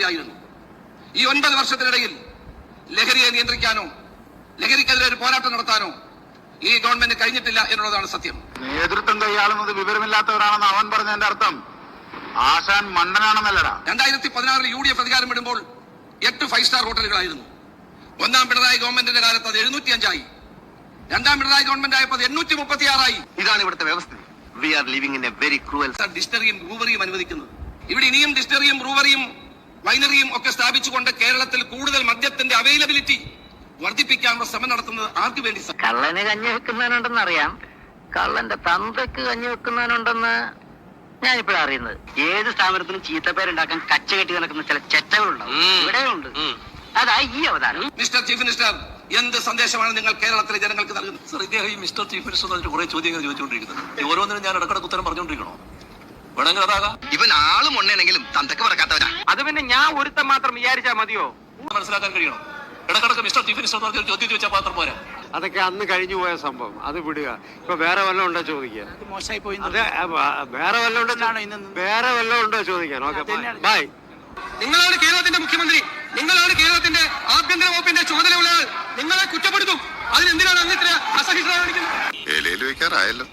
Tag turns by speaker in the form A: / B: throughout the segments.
A: നിലയിലായിരുന്നു. ഈ 9 വർഷത്തിനിടയിൽ ലഹരിയെ നിയന്ത്രിക്കാനോ ലഹരിക്കെതിരെ ഒരു പോരാട്ടം നടത്താനോ ഈ ഗവൺമെന്റ് കഴിഞ്ഞിട്ടില്ല എന്നുള്ളതാണ് സത്യം.
B: നേതൃത്വം കൈയാളുന്നത് വിവരമില്ലാത്തവരാണെന്ന് അവൻ പറഞ്ഞതിന്റെ അർത്ഥം ആശാൻ മണ്ടനാണെന്നല്ലടാ.
A: 2016 UDF അധികാരം വിടുമ്പോൾ 8 5 സ്റ്റാർ ഹോട്ടലുകളായിരുന്നു. ഒന്നാം പിണറായി ഗവൺമെന്റിന്റെ കാലത്ത് അത് 705 ആയി. രണ്ടാം പിണറായി ഗവൺമെന്റ് ആയപ്പോൾ 836 ആയി.
C: ഇതാണ് ഇവിടുത്തെ വ്യവസ്ഥ. We are living in a very cruel.
A: ഡിസ്റ്ററിയും ബ്രൂവറിയും അനുവദിക്കുന്നത്. ഇവിടെ ഇനിയും ഡിസ്റ്ററിയും ബ്രൂവറിയും വൈനറിയും ഒക്കെ സ്ഥാപിച്ചുകൊണ്ട് കേരളത്തിൽ കൂടുതൽ മദ്യത്തിന്റെ അവൈലബിലിറ്റി വർദ്ധിപ്പിക്കാനുള്ള ശ്രമം നടത്തുന്നത് ആർക്ക് വേണ്ടി?
D: കള്ളന് കഞ്ഞി വെക്കുന്നവനുണ്ടെന്ന് അറിയാം, കള്ളന്റെ തന്തയ്ക്ക് കഞ്ഞി വെക്കുന്നവനുണ്ടെന്ന് ഞാനിപ്പോഴാണ് അറിയുന്നത്.
C: ഏത് സ്ഥാപനത്തിനും ചീത്തപ്പേരുണ്ടാക്കാൻ കച്ച കെട്ടി നടക്കുന്ന ചില ചെറ്റകളുണ്ടാവും. ഇവിടെയുണ്ട്. അതായി ഈ അവതാരം.
A: മിസ്റ്റർ ചീഫ് മിനിസ്റ്റർ, എന്ത് സന്ദേശമാണ് നിങ്ങൾ കേരളത്തിലെ ജനങ്ങൾക്ക് നൽകുന്നത്?
E: സർ, ഇദ്ദേഹം ഈ മിസ്റ്റർ ചീഫ് മിനിസ്റ്റർ കുറെ ചോദ്യങ്ങൾ ചോദിച്ചുകൊണ്ടിരിക്കുന്നത്. ഓരോന്നിനും ഞാൻ ഇടക്കിടക്ക് ഉത്തരം പറഞ്ഞുകൊണ്ടിരിക്കണോ? വേണമെങ്കിൽ അതാകാം.
C: ഇവൻ ആളും ഉണ്ടെങ്കിലും തന്തക്ക് പറക്കാത്തവരാ.
D: അത് പിന്നെ ഞാൻ ഒരുത്തം മാത്രം വിചാരിച്ചാ മതിയോ?
E: മനസ്സിലാക്കാൻ കഴിയണം. ഇടക്കിടക്ക് മിസ്റ്റർ ചീഫ് മിനിസ്റ്റർ ചോദ്യം ചോദിച്ചാൽ മാത്രം പോരാ.
F: അതൊക്കെ അന്ന് കഴിഞ്ഞു പോയ സംഭവം, അത് വിടുക. ഇപ്പൊ വേറെ വല്ലതും ഉണ്ടോ ചോദിക്കാൻ?
D: മോശമായി പോയി.
F: അതെ, വേറെ വല്ലതും ഉണ്ടോ ചോദിക്കാൻ? Okay, bye.
A: നിങ്ങളാണ് കേരളത്തിന്റെ മുഖ്യമന്ത്രി, നിങ്ങളാണ് കേരളത്തിന്റെ ആഭ്യന്തര വകുപ്പിന്റെ ചുമതലയുള്ളത്. നിങ്ങളെ കുറ്റപ്പെടുത്തും. അതിനെന്തിനാണ് അങ്ങ് ഇത്ര അസഹിഷ്ണുത കാണിക്കുന്നത്?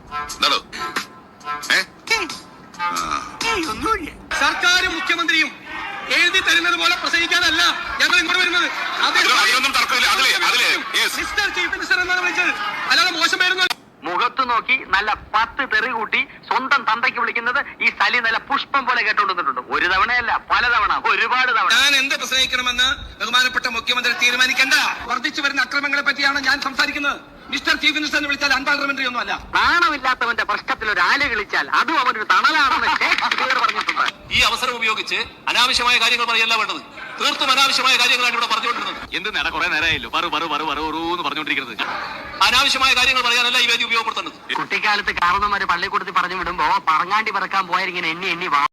A: സർക്കാരും മുഖ്യമന്ത്രിയും എഴുതി തരുന്നത് പോലെ പ്രസംഗിക്കാനല്ല ഞങ്ങൾ ഇങ്ങോട്ട് വരുന്നത്. മിസ്റ്റർ ചീഫ് മിനിസ്റ്റർ എന്നാണ് വിളിച്ചത്, അല്ലാതെ മോശം പേരൊന്നും.
D: മുഖത്ത് നോക്കി നല്ല 10 തെറി കൂട്ടി സ്വന്തം തന്തയ്ക്ക് വിളിക്കുന്നത് ഈ സലി നല്ല പുഷ്പം പോലെ കേട്ടോണ്ടിട്ടുണ്ട്. ഒരു തവണയല്ല, പലതവണ, ഒരുപാട് തവണ.
A: ഞാൻ എന്ത് പ്രസംഗിക്കണമെന്ന് ബഹുമാനപ്പെട്ട മുഖ്യമന്ത്രി തീരുമാനിക്കേണ്ട. വർദ്ധിച്ചു വരുന്ന അക്രമങ്ങളെ പറ്റിയാണ് ഞാൻ സംസാരിക്കുന്നത്. മിസ്റ്റർ ചീഫ് മിനിസ്റ്റർ എന്ന് വിളിച്ചാൽ അൺപാർലമെന്ററി ഒന്നും അല്ല.
D: നാണമില്ലാത്തവന്റെ പ്രശ്നത്തിൽ ഒരു ആല് കളിച്ചാൽ അതും അവനൊരു തണലാണെന്ന് ഷേക്സ്പിയർ പറഞ്ഞിട്ടുണ്ട്.
E: ഈ അവസരം ഉപയോഗിച്ച് അനാവശ്യമായ കാര്യങ്ങൾ പറയല്ല വേണ്ടത്. തീർത്തും അനാവശ്യമായ കാര്യങ്ങളാണ് ഇവിടെ പറഞ്ഞുകൊണ്ടിരുന്നത്. എന്ത് നേടാ, കുറെ നേരമായല്ലോ എന്ന് പറഞ്ഞുകൊണ്ടിരിക്കുന്നത്. അനാവശ്യമായ കാര്യങ്ങൾ പറയാനല്ല ഈ വേദി ഉപയോഗപ്പെടുത്തേണ്ടത്.
D: കുട്ടിക്കാലത്ത് കാരണവന്മാര് പള്ളിക്കൂടത്തിൽ പറഞ്ഞു വിടുമ്പോ പറങ്ങാണ്ടി പറക്കാൻ പോയാൽ ഇങ്ങനെ എണ്ണി